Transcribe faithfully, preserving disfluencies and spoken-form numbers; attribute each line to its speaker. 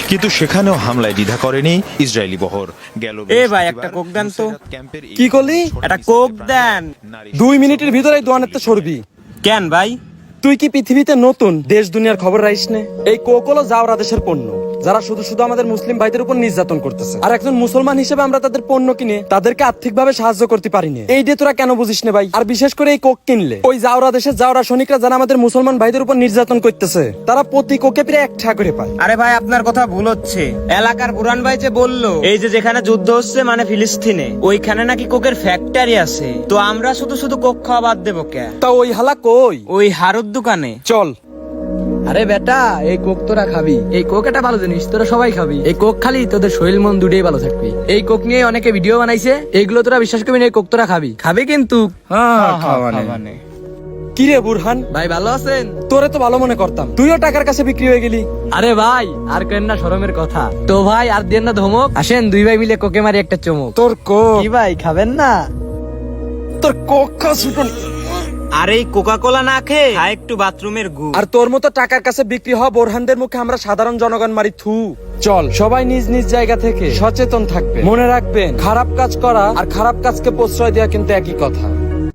Speaker 1: কিন্তু সেখানেও হামলায় দ্বিধা করেনি ইসরায়েলি বহর। গেল
Speaker 2: এ ভাই, একটা কোক দেন তো।
Speaker 3: কি করলি?
Speaker 2: একটা কোক দেন।
Speaker 3: দুই মিনিটের ভিতরে দোয়ানেতে সরবি।
Speaker 2: কেন ভাই?
Speaker 3: তুই কি পৃথিবীতে নতুন? দেশ দুনিয়ার খবর রাইস নে? এই কোক হলো জাওরা দেশের পণ্য, যারা শুধু শুধু আমাদের মুসলিম ভাইদের উপর নির্যাতন করতেছে। আর একজন মুসলমান হিসেবে আমরা তাদের পণ্য কিনে তাদেরকে আর্থিকভাবে সাহায্য করতে পারিনি। এই ডে তোরা কেন বুঝিস না ভাই? আর বিশেষ করে এই কোক কিনলে ওই জাওরা দেশের জাওরা সৈনিকরা যারা আমাদের মুসলমান ভাইদের উপর নির্যাতন করতেছে, তারা প্রতি কোকে প্রায় এক টাকা করে পায়।
Speaker 2: আরে ভাই, আপনার কথা ভুল হচ্ছে। এলাকার বুরান ভাই যে বললো এই যে যেখানে যুদ্ধ হচ্ছে মানে ফিলিস্তিনে, ওইখানে নাকি কোকের ফ্যাক্টরি আছে। তো আমরা শুধু শুধু কোক খাওয়া বাদ দেবো কে?
Speaker 3: তা ওই হালা কই?
Speaker 2: ওই হারুর দোকানে।
Speaker 3: চল।
Speaker 4: আরে বেটা, এই কোক তোরা খাবি। এই কোক একটা ভালো জিনিস, তোরা সবাই খাবি। এই কোক খালি তোদের শরীর মন দুটোই ভালো থাকবি। এই কোক নিয়ে অনেকে ভিডিও বানাইছে, এইগুলো তোরা বিশ্বাস করবি না। এই কোক তোরা খাবি খাবি কিন্তু
Speaker 3: কি রে বুরহান
Speaker 4: ভাই, ভালো আছেন?
Speaker 3: তোরে তো ভালো মনে করতাম, তুইও টাকার কাছে বিক্রি হয়ে গেলি।
Speaker 4: আরে ভাই, আর কেন না শরমের কথা। তো ভাই আর দেন না ধমক, আসেন দুই ভাই মিলে কোকে মারি একটা চমক।
Speaker 3: তোর কোক
Speaker 4: কি ভাই, খাবেন না?
Speaker 3: তোর কোক খা ছুটন।
Speaker 2: আর এই কোকা কোলা না খেয়ে খা একটু বাথরুমের গু।
Speaker 3: আর তোর মতো টাকার কাছে বিক্রি হওয়া বোরহানদের মুখে আমরা সাধারণ জনগণ মারি থু। চল সবাই নিজ নিজ জায়গা থেকে সচেতন থাকবে। মনে রাখবেন, খারাপ কাজ করা আর খারাপ কাজকে প্রশ্রয় দেওয়া কিন্তু একই কথা।